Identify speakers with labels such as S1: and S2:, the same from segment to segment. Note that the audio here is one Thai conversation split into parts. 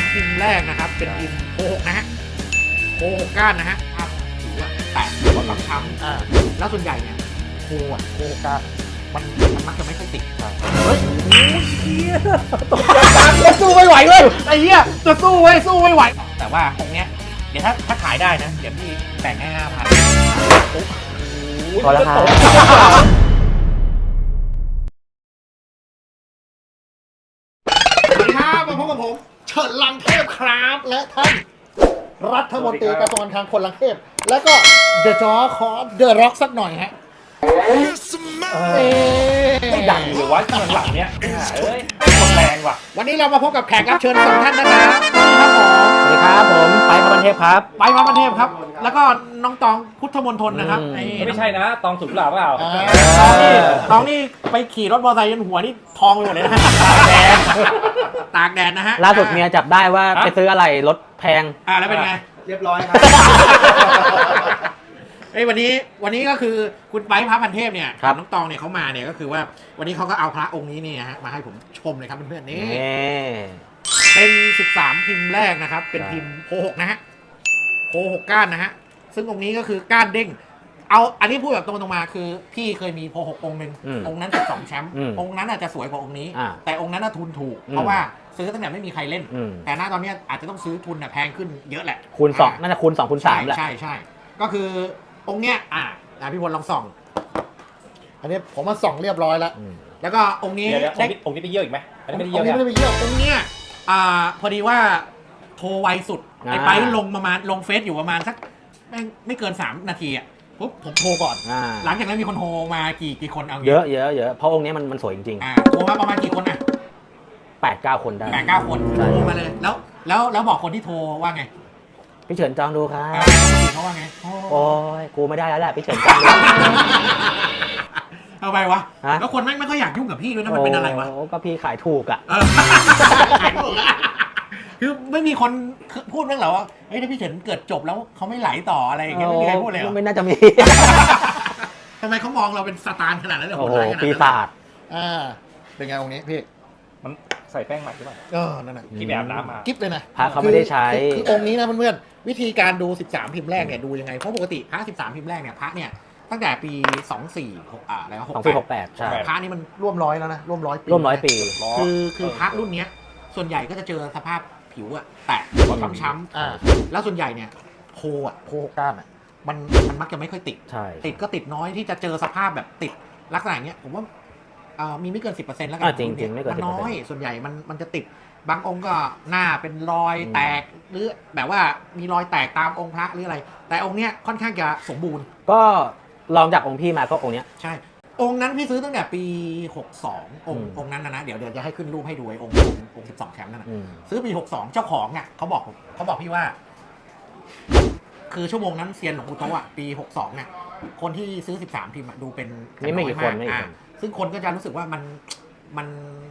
S1: 13พิมพ์แรกนะครับเป็นพิมพ์โค6นะฮะโค6ก้านนะฮะถือว่าแตกหัวช้ำแล้วส่วนใหญ่เนี่ยโคก้านมันมักจะไม่ค่อยติดเฮ้ยตกใจจังสู้ไม่ไหวเลยไอ้เหี้ยจะสู้ไว้สู้ไม่ไหวแต่ว่าตรงเนี้ยเดี๋ยวถ้าขายได้นะเดี๋ยวพี่แต่งให้5,000
S2: พอแล้วครับ
S1: สวัสดีครับมาพบกับผมเฉินลังเทพครับและท่านรัฐมนตรีกระทรวงการคลังคนลังเทพแล้วก็เดอะจอคอเดอะร็อกสักหน่อยฮะ
S3: ไม่ดังหรือวะหลังเนี้ยเอ้ยคนแรงว่ะ
S1: วันนี้เรามาพบกับแขกรับเชิญ2ท่านนะครับ
S2: สวัสดีครับผมไปพระบันเทพครับ
S1: ไปพระบันเทพครับแล้วก็น้องตองพุทธมณฑลนะครับ
S3: ไม่ใช่นะตองสุดหล่าเปล่า
S1: ตองนี่ไปขี่รถมอเตอร์ไซค์จนหัวนี่ทองไปหมดเลยนะตากแดดนะฮะ
S2: ล่าสุดเมียจับได้ว่าไปซื้ออะไรรถแพง
S1: แล้วเป็นไง
S4: เรียบร้อยครับ
S1: วันนี้ก็คือคุณไปพระพันเทพเนี่ยน้องตองเนี่ยเขามาเนี่ยก็คือว่าวันนี้เขาก็เอาพระองค์นี้เนี่ยฮะมาให้ผมชมเลยครับเพื่อนๆนี่เป็น13พิมพ์แรกนะครับเป็นพิมพ์โค6นะฮะโค6ก้านนะฮะซึ่งองค์นี้ก็คือก้านเด้งเอาอันนี้พูดแบบตรงๆมาคือพี่เคยมีโพ6องค์หนึ่งองค์นั้น12แชมป์องค์นั้นอาจจะสวยกว่าองค์นี้แต่องค์นั้นทุนถูกเพราะว่าซื้อตั้งแต่ไม่มีใครเล่นแต่ณตอนนี้อาจจะต้องซื้อทุนแพงขึ้นเยอะแหละ
S2: คูณ2น่าจะคูณ2คูณ3แหละ
S1: ใช่ก็คือองค์เนี้ยพี่พลลองส่องอันนี้ผมมาส่องเรียบร้อยแล้วแล้วก็องค์นี้
S3: องค์นี้ไปเยี่ยวอีกไหมอันนี้ไม่ได้เยี่ยว
S1: ไม่ได้ไปเยี่ยวองค์เนี้ยพอดีว่าโทรไวสุดไอ้ไปลงประมาณลงเฟซอยู่ประมาณสักไม่เกิน3นาทีอ่ะปุ๊บผมโทรก่อนหลังจากนั้นมีคนโทรมากี่คนเอา
S2: เยอะเพราะองค์นี้มันสวยจริง
S1: ๆโทรมาประมาณกี่คน
S2: 8-9 คนได้
S1: 8-9 คนโทรมาเลยแล้วบอกคนที่โทรว่าไง
S2: พี่เฉินจองดูครับ
S1: เขาว่าไง
S2: โอ้ยกูไม่ได้แล้วแหละพี่เฉินจองดู
S1: เอาไปวะแล้วคนไม่ค่อยอยากยุ่งกับพี่ด้วยนะมันเป็นอะไรวะ
S2: ก็พี่ขายถูกอ่ะ
S1: คือไม่มีคนพูดเรื่องหรอว่าเฮ้ยถ้าพี่เฉินเกิดจบแล้วเขาไม่ไหลต่ออะไรอย่างเงี้ยไม่มีใครพูดเลย
S2: ไม่น่าจะมี
S1: ทำไมเขามองเราเป็นสตาร์ขนาดนั้นเลย
S2: โอ้โหปีศาจ
S1: เป็นไงองค์นี้พี่
S3: มันใส่แป้งใหม่หรือเปล่า
S1: นั่นน่ะ
S3: ที่แบบน้ำมา
S1: กิ๊บเลยนะ
S2: พระเขาไม่ได้ใช้
S1: คือองค์นี้นะเพื่อนๆวิธีการดู13พิมพ์แรกเนี่ยดูยังไงเพราะปกติพระ13พิมพ์แรกเนี่ยพระเนี่ยตั้งแต่ปี24แล้ว
S2: 2468ใช่
S1: พระนี่มันร่วมร้อยแล้วนะร่วมร้อยปีคือพระรุ่นนี้ส่วนใหญ่ก็จะเจอสภาพผิวแตกช้ำแล้วส่วนใหญ่เนี่ยโคก้านมันมักจะไม่ค่อยติดก็ติดน้อยที่จะเจอสภาพแบบติดลักษณะอย่างเงี้ยผมว่ามีไม่เกิน 10% แล้วกัน
S2: จริงๆไม่เกิน
S1: 10%น้อยส่วนใหญ่มันจะติดบางองค์ก็หน้าเป็นรอยแตกหรือแบบว่ามีรอยแตกตามองค์พระหรืออะไรแต่องค์เนี้ยค่อนข้างจะสมบูรณ์
S2: ก็ลองจากองค์พี่มาก็องค์เนี้ย
S1: ใช่องค์นั้นพี่ซื้อตั้งแต่ปี62องค์นั้นนะเดี๋ยวจะให้ขึ้นรูปให้ดูไอ้องค์12แชมป์นั่นนะซื้อปี62เจ้าของอ่ะเขาบอกพี่ว่าคือชั่วโมงนั้นเซียนหลวงปู่โตะปี62เนี่ยคนที่ซื้อ13พิมพ์ดูเป็น
S2: นี่ไม่กี่คน
S1: ซึ่งคนก็จะรู้สึกว่ามัน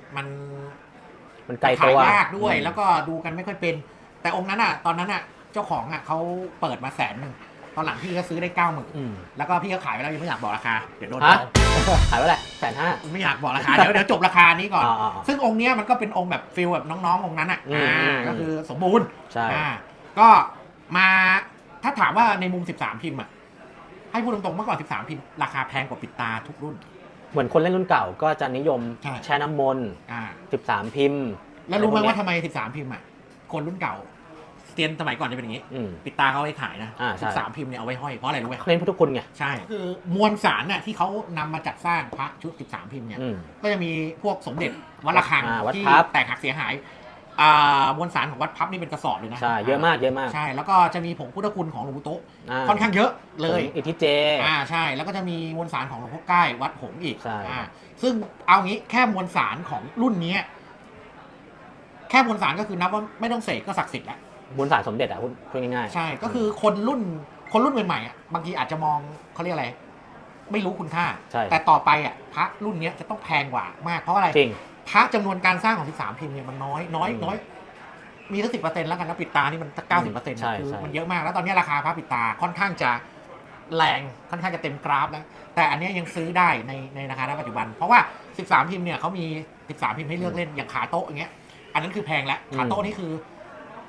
S2: ไกลตัวย
S1: ากด้วยแล้วก็ดูกันไม่ค่อยเป็นแต่องค์นั้นตอนนั้นเจ้าของเขาเปิดมา100,000ตอนหลังพี่ก็ซื้อได้90,000แล้วก็พี่ก็ขายไปแล้วยังไม่อยากบอกราคาเดี๋ยวโดน
S2: ขายไปแหละ150,000
S1: ไม่อยากบอกราคาเดี๋ยวจบราคานี้ก่อนซึ่งองค์นี้มันก็เป็นองค์แบบฟิลแบบน้องๆองค์นั้นก็คือสมบูรณ์ก็มาถ้าถามว่าในมุม13พิมพ์ให้พูดตรงๆเมื่อก่อน13พิมพ์ราคาแพงกว่าปิดตาทุกรุ่น
S2: เหมือนคนเล่นรุ่นเก่าก็จะนิยมแช่น้ำมนต์13พิมพ์
S1: แล้วรู้ไหมว่าทำไม13พิมพ์คนรุ่นเก่าเซียนสมัยก่อนจะเป็นอย่างนี้ปิดตาเขาไว้ขายนะ13พิมพ์เนี่ยเอาไว้ห้อยเพราะอะไรรู้ไหม
S2: เล่นพุทธคุณไง
S1: ใช่คือมวลสารที่เขานำมาจัดสร้างพระชุด13พิมพ์เนี่ยก็จะมีพวกสมเด็จวัดระฆังที่แตกหักเสียหายมวลสารของวัดพับนี่เป็นกระสอบเลยนะ
S2: ใช่เยอะมาก
S1: ใช่แล้วก็จะมีผงพุทธคุณของหลวงปู่โตะค่อนข้างเยอะเลย
S2: อิทธิเจ
S1: ใช่แล้วก็จะมีมวลสารของหลวงพ่อใกล้วัดหงส์อีกซึ่งเอางี้แค่มวลสารของรุ่นนี้แค่มวลสารก็คือนับว่าไม่ต้องเสกก็ศักดิ์สิทธิ์แล้ว
S2: มวลสารสมเด็จพูดง่าย
S1: ๆใช่ก็คือคนรุ่นใหม่ๆบางทีอาจจะมองเขาเรียกอะไรไม่รู้คุณค่าแต่ต่อไปพระรุ่นนี้จะต้องแพงกว่ามากเพราะอะไรพระจำนวนการสร้างของ13พิมพ์เนี่ยมันน้อยมีสัก10%แล้วกันแล้วปิดตานี่มันสัก90%คือมันเยอะมากแล้วตอนนี้ราคาพระปิดตาค่อนข้างจะแรงค่อนข้างจะเต็มกราฟแล้วแต่อันนี้ยังซื้อได้ในราคาณปัจจุบันเพราะว่า13พิมพ์เนี่ยเขามี13พิมพ์ให้เลือกเล่นอย่างขาโต๊ะอย่างเงี้ยอันนั้นคือแพงแล้วขาโต๊ะนี่คือ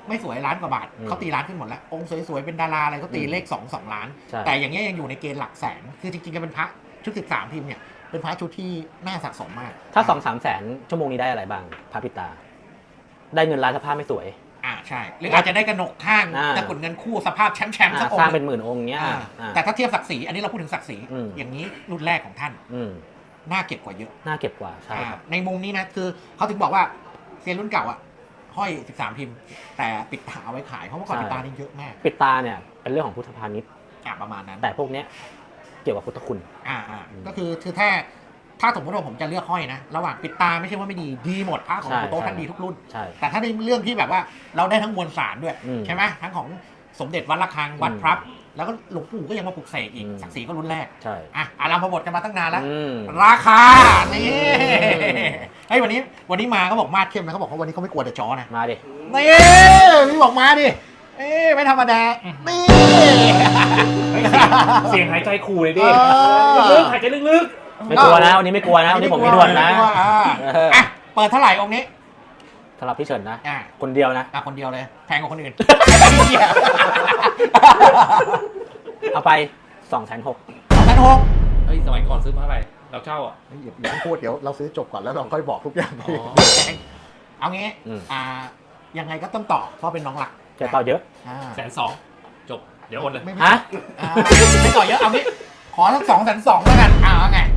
S1: ไม่สวยล้านกว่าบาทเขาตีล้านขึ้นหมดแล้วองค์สวยๆเป็นดาราอะไรก็ตีเลข2 ล้านแต่อย่างเงี้ยยังอยู่ในเกณฑ์หลักแสนคือจริงๆก็เป็นพระชุด13พิมพ์เนี่ยเป็นพระชุดที่น่าสะสมมาก
S2: ถ้า 2-3 แสนชั่วโมงนี้ได้อะไรบ้างพระปิดตาได้เงินล้านสภาพไม่สวย
S1: ใช่หรืออาจจะได้กระหนกข้างตะกุดเงินคู่สภาพแชมป์สักองค์
S2: สร้างเป็นหมื่นองค์เนี้ย
S1: แต่ถ้าเทียบศักดิ์ศรีอันนี้เราพูดถึงศักดิ์ศรีอย่างนี้รุ่นแรกของท่านน่าเก็บกว่าเยอะ
S2: น่าเก็บกว่าใช่
S1: ในมุมนี้นะคือเขาถึงบอกว่าเซียนรุ่นเก่าห้อย13พิมพ์แต่ปิดตาเอาไว้ขายเพราะว่าก่อนปิดตานี่เยอะมาก
S2: ปิดตาเนี่ยเป็นเรื่องของพุทธพาณิชย์
S1: ประมาณนั้น
S2: แต่พวกเนี้ยเกี่ยวกับพุทธคุณ
S1: ก็คือถ้าสมมติว่าผมจะเลือกห้อยนะระหว่างปิดตาไม่ใช่ว่าไม่ดีหมดพระของโต๊ะท่านดีทุกรุ่นแต่ถ้าในเรื่องที่แบบว่าเราได้ทั้งมวลสารด้วยใช่ไหมทั้งของสมเด็จวัดระฆังวัดพระแล้วก็หลวงปู่ก็ยังมาปลุกเสกอีกศักดิ์ศรีก็รุ่นแรก
S2: ใช่
S1: อารามพบทกันมาตั้งนานแล้วราคานี่เฮ้ยวันนี้มาเขาบอกมาดเข้มนะเขาบอกว่าวันนี้เขาไม่กลัวแต่จอนะ
S2: มาดิ
S1: นี่พี่บอกมาดิไม่ธรรมดานี่
S3: เสียงหายใจขู่เลยดิลึกหายใจลึก
S2: ไม่กลัวนะวันนี้ไม่กลัวนะวันนี้ผมไม่ด่วนนะ
S1: เปิดเท่าไหร่องค์นี้
S2: สำหรับพี่เฉินนะคนเดียวนะ
S1: คนเดียวเลยแพงกว่าคนอื่น
S2: เอาไป2,600,000
S3: เฮ้ยสมัยก่อนซื้อมาเท่าไหร่เราเช่า
S1: อย่าพูดเดี๋ยวเราซื้อจบก่อนแล้วเราค่อยบอกทุกอย่างเอางี้ยังไงก็ต้องต่อเพราะเป็นน้องหลัก
S2: จะต่อเยอะ
S3: 120,000จบเดี๋ยวโอนเลย
S2: ฮะ
S1: ไม่ต่อเยอะเอางี้ขอสัก220,000แล้วกันไง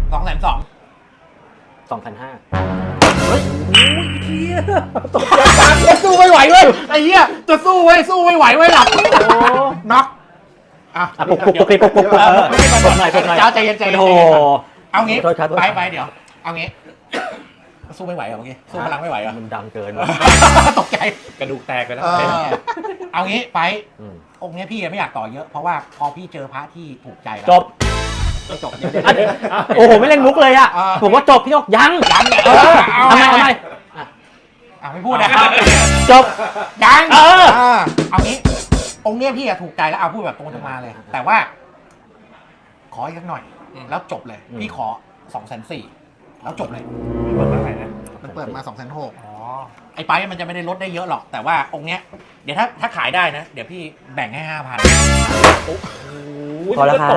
S2: 2,500,000
S1: เฮ้ยเฮียตกใจจะสู้ไม่ไหวเว้ยไอ้เหี้ยจะสู้ไม่ไหวหลับน็อก
S2: ปุ๊บหน่อย
S1: เจ้าใจเย็น
S2: โอ้
S1: เอางี้ไปเดี๋ยวเอางี้สู้ไม่ไหวเหรอเมื่อกี้สู้พลังไม่ไหวเหรอ
S2: มันดังเกิน
S1: ตกใจ
S3: กระดูกแตกไปแล้ว
S1: เอางี้ไปองค์นี้พี่ไม่อยากต่อเยอะเพราะว่าพอพี่เจอพระที่ถูกใจแล้ว
S2: จบโอ้โหไม่เล่นมุกเลยอ่ะผมว่าจบพี่นกยังทำไม
S1: ไม่พูดนะครับ
S2: จบ
S1: ยังเอางี้องค์นี้พี่ถูกใจแล้วเอาพูดแบบตรงมาเลยแต่ว่าขออีกสักหน่อยแล้วจบเลยพี่ขอ240,000แล้วจบเลย
S3: เปิดมาไหนนะ
S1: มันเปิดมา260,000ไอ้ไปมันจะไม่ได้ลดได้เยอะหรอกแต่ว่าองค์เนี้ยเดี๋ยวถ้าขายได้นะเดี๋ยวพี่แบ่งให้ 5,000
S2: พอแล้วครับ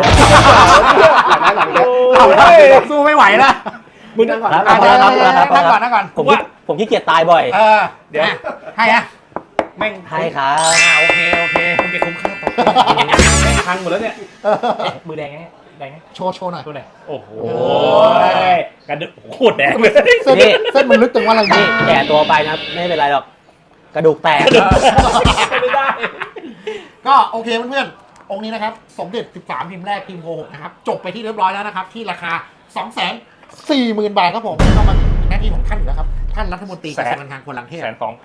S1: เราสู้ไม่ไหวแล้ว
S2: มึงนั่งก่อนผมขี้เกียจตายบ่อย
S1: เดี๋ยวให้
S2: แม่งให้ครับ
S1: โอเค
S3: คุณเก็บคุ้มค่าต่อแม่งพังหมดแล้วเนี่ยมือแดงไง
S1: โชว์หน่อย
S3: โอ้โหกระดูกโคตรแดงเลย
S1: เส้นมันลึกจังว่าอะไร
S2: นี่แก่ตัวไปนะไม่เป็นไรหรอกกระดูกแตก
S3: ไม่ได้
S1: ก็โอเคเพื่อนๆองค์นี้นะครับสมเด็จ13พิมพ์แรกพิมพ์โกหกนะครับจบไปที่เรียบร้อยแล้วนะครับที่ราคา 240,000 บาทครับผมก็มาหน้าที่ของท่านอยู่แล้วครับท่านรัฐมนตรีกระทรวงการคลังคนลังเทพ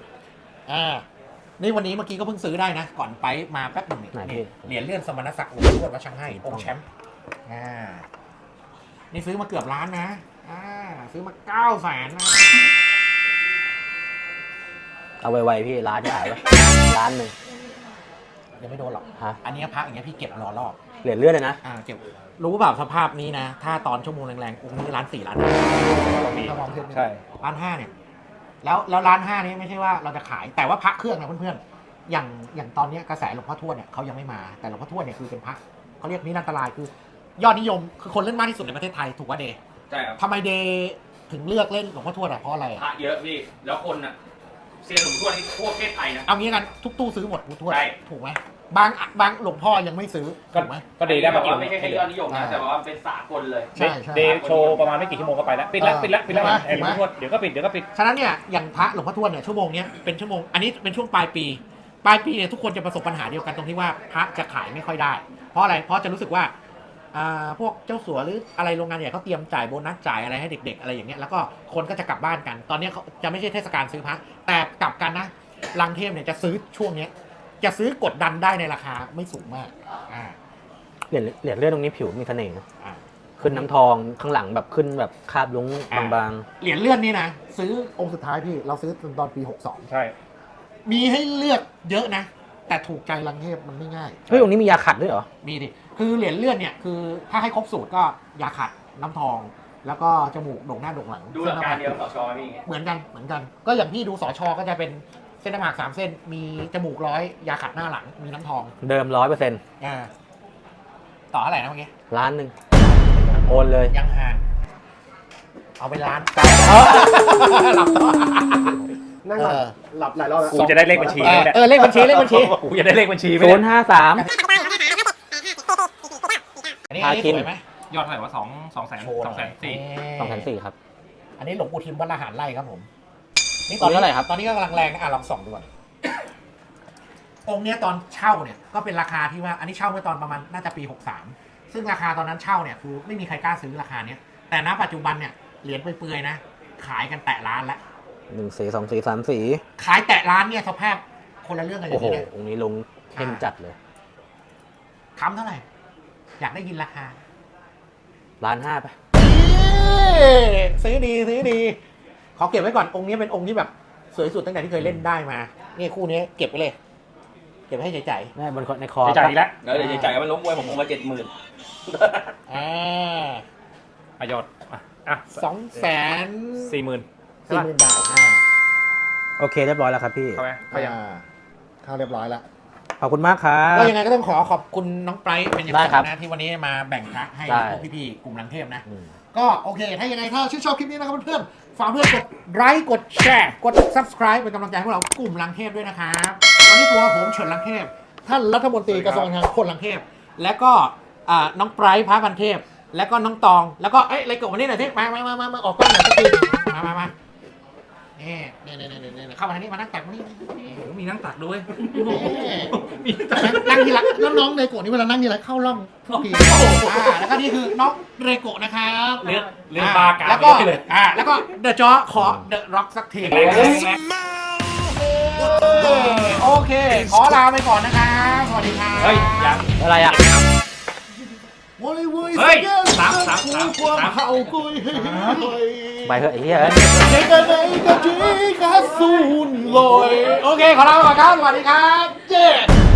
S1: นี่วันนี้เมื่อกี้ก็เพิ่งซื้อได้นะก่อนไปมาแป๊บนึงเหรียญเลื่อนสมณศักดิ์หลวงพ่อวัดช่างให้องค์แชมป์นี่ซื้อมาเกือบล้านนะซื้อมา900,000นะ
S2: เอาไวๆพี่ล้านที่หายไปล้านนึง
S1: ยังไม่โดนหรอกอันนี้พระอย่างเงี้ยพี่เก็บรอรอบ
S2: เหรียญเลื่อนเลยนะ
S1: เก็บรู้เปล่าสภาพนี้นะถ้าตอนชั่วโมงแรงๆองค์นี้1.4 ล้าน
S3: ใช่
S1: 1.5 เนี่ยแล้ว1.5 นี้ไม่ใช่ว่าเราจะขายแต่ว่าพระเครื่องนะเพื่อนๆอย่างตอนนี้กระแสหลวงพ่อทวดเนี่ยเขายังไม่มาแต่หลวงพ่อทวดเนี่ยคือเป็นพระเขาเรียกนิรันตรายคือยอดนิยมคือคนเล่นมากที่สุดในประเทศไทยถูกป่ะเดย์
S3: ใช่ครับ
S1: ทำไมเดย์ถึงเลือกเล่นหลวงพ่อทวดเพราะอะไร
S3: พระเยอะพี่แล้วคนอ่ะเซียนหลวงพ่อทวดนี่ทั่วประเทศไทยนะ
S1: เอางี้กันทุกตู้ซื้อหมดหลวงพ่อทวดถูกไหมบางหลวงพ่อยังไม่ซื้อถูกไหม
S3: ก็เดย์ได้มา
S4: ไม่ใช่แค่ยอดนิยมนะแต่ว่าเป็นสากลเลย
S1: ใช่
S3: เดย์โชว์ประมาณไม่กี่ชั่วโมงก็ไปแล้วปิดแล้วหลวงพ่อทวดเดี๋ยวก็ปิด
S1: ฉะนั้นเนี่ยอย่างพระหลวงพ่อทวดเนี่ยชั่วโมงนี้เป็นชั่วโมงอันนี้เป็นช่วงปลายปีเนี่ยทุกคนจะประสบปัญหาเดียวกันตรงที่ว่าพระจะขายไม่ค่อยได้เพราะอะไรเพราะจะรู้สึกว่าพวกเจ้าสัวหรืออะไรโรงงานใหญ่เขาเตรียมจ่ายโบนัสจ่ายอะไรให้เด็กๆอะไรอย่างเงี้ยแล้วก็คนก็จะกลับบ้านกันตอนนี้เขาจะไม่ใช่เทศกาลซื้อพระแต่กลับกันนะลังเทพเนี่ยจะซื้อช่วงนี้จะซื้อกดดันได้ในราคาไม่สูงมาก
S2: เหรียญเลื่อนตรงนี้ผิวมีเสน่ห์นะขึ้นน้ำทองข้างหลังแบบขึ้นแบบคาบลุ้งบาง
S1: ๆเหรียญเลื่อนนี่นะซื้อองค์สุดท้ายพี่เราซื้อตอนปี62
S3: ใช่
S1: มีให้เลือกเยอะนะแต่ถูกใจลังเทพมันไม่ง่าย
S2: เฮ้ยองค์นี้มียาขัดด้วยเหรอ
S1: มีดิคือเหรียญเลื่อนเนี่ยคือถ้าให้ครบสูตรก็ยาขัดน้ำทองแล้วก็จมูกโด่งหน้าโด่งหลัง
S4: ดูหลักการเดียวสชนี่
S1: เหมือนกันก็อย่างพี่ดูสชก็จะเป็นเส้นหน้าผาก3 เส้น มีจมูก100 ยาขัดหน้าหลัง มีน้ำทอง
S2: เดิม100%
S1: ต่อเท่าไหร่นะเมื่อกี้
S2: ล้านหนึ่งโอนเลย
S1: ยังห่างเอาไปล้าน หลับต่อ
S3: นั่งหลับ
S5: หลับหลายรอบแล้ว
S3: กูจะได้เลขบัญชีไหมเนี่ย
S1: เลขบัญชี
S3: กูจะได้เลขบัญชีไหม
S2: ศู
S3: เนี่ย
S2: นย์ห้าสาม
S1: อันนี้
S2: พาคิน
S1: สวยไหม
S3: ยอดเท่าไหร่วะ200,000
S1: โชว์หน่อย
S2: 2,400ครับ
S1: อันนี้หลวงปู่ทิมวัดละหารไร่ครับผม นี่
S2: องค์เท่าไหร่ครับ
S1: ตอนนี้ก็กำลังแรงนะลองส่องดูก่อนองค์เนี้ยตอนเช่าเนี่ยก็เป็นราคาที่ว่า อันนี้เช่าเมื่อตอนประมาณน่าจะปี 63 ซึ่งราคาตอนนั้นเช่าเนี่ยคือไม่มีใครกล้าซื้อราคาเนี้ย แต่ณปัจจุบันเนี่ยเหรียญเปื่อยๆนะ ขายกันแตะล้านแล้ว
S2: 1 สี2 สี3 สี
S1: ขายแตะล้านเนี่ยสภาพคนละเรื่องกันเล
S2: โอ้
S1: ย
S2: โห
S1: เนี่ย
S2: องค์นี้ลงเข้มจัดเลย
S1: คำเท่าไหร่ อยากได้ยินราคา
S2: 1,500,000ไป
S1: ซื้อดีขอเก็บไว้ก่อนองค์นี้เป็นองค์ที่แบบสวยสุดตั้งแต่ที่เคยเล่นได้มานี่คู่นี้เก็บไว้เลย เก็บไว้ให้ใจ
S2: แม่บนในคอ
S3: จะจ่ายอีกแล้ว
S4: แล้วเดี๋ยวจะจ่ายกันมันล้มมวยผมคงมา70,000
S1: ๆ
S3: ประโยชน์อ่ะ
S1: 240,000
S3: 40,000
S1: บาท
S2: โอเคเรียบร้อยแล้วครับพี่
S3: เข้าไหมเข้ายัง
S5: เข้าเรียบร้อยแล้ว
S2: ขอบคุณมากครับ
S1: ก็ยังไงก็ต้องขอบคุณน้องไบรท์เป็นอย่าง
S2: ได้
S1: สู
S2: ครับ
S1: งนะที่วันนี้มาแบ่งพระให้
S2: ได้
S1: พวกพี่ๆกลุ่มลังเทพนะ
S2: อืม
S1: ก็โอเค ถ้ายังไงถ้าชื่นชอบคลิปนี้นะครับเพื่อนๆฝากเพื่อนกดไลค์กดแชร์กด subscribe เป็นกำลังใจให้พวกเรากลุ่มลังเทพด้วยนะครับวันนี้ตัวผมเฉินลังเทพท่านรัฐมนตรีกระทรวงการคลังคนลังเทพและก็น้องไบรท์พระพันเทพแล้วก็น้องตองแล้วก็อะไรกดวันนี้หน่อยที่มาออกกล้องหน่อยสักทีมานี่เข้ามาทางนี้มานั่งตักนี่
S3: มีนั่งตักด้วย
S1: นั่งทีละแล้วน้องเรโกะนี่เวลานั่งทีละเข้าร่องทุกทีแล้วก็นี่คือน้องเรโกะนะครับ
S3: เรื่องบากา
S1: แล้วก็
S3: ไม่ได้เลย
S1: แล้วก็เดอะจอขอเดอะร็อกสักที
S3: แรงแรง
S1: โอเค ขอลาไปก่อนนะครับสวัสดีครับ
S3: เฮ้ยยัง
S2: อะไรอ่ะ
S1: โว้ย
S3: เฮ้ย
S1: สาม
S3: สาม
S1: เข้ากุย
S2: ไปเถอะไอ้เหี้ย
S1: เด็กกันไหนก็จีกาซูนลอยโอเค ขอลาไปก่อนครับ สวัสดีครับ เย้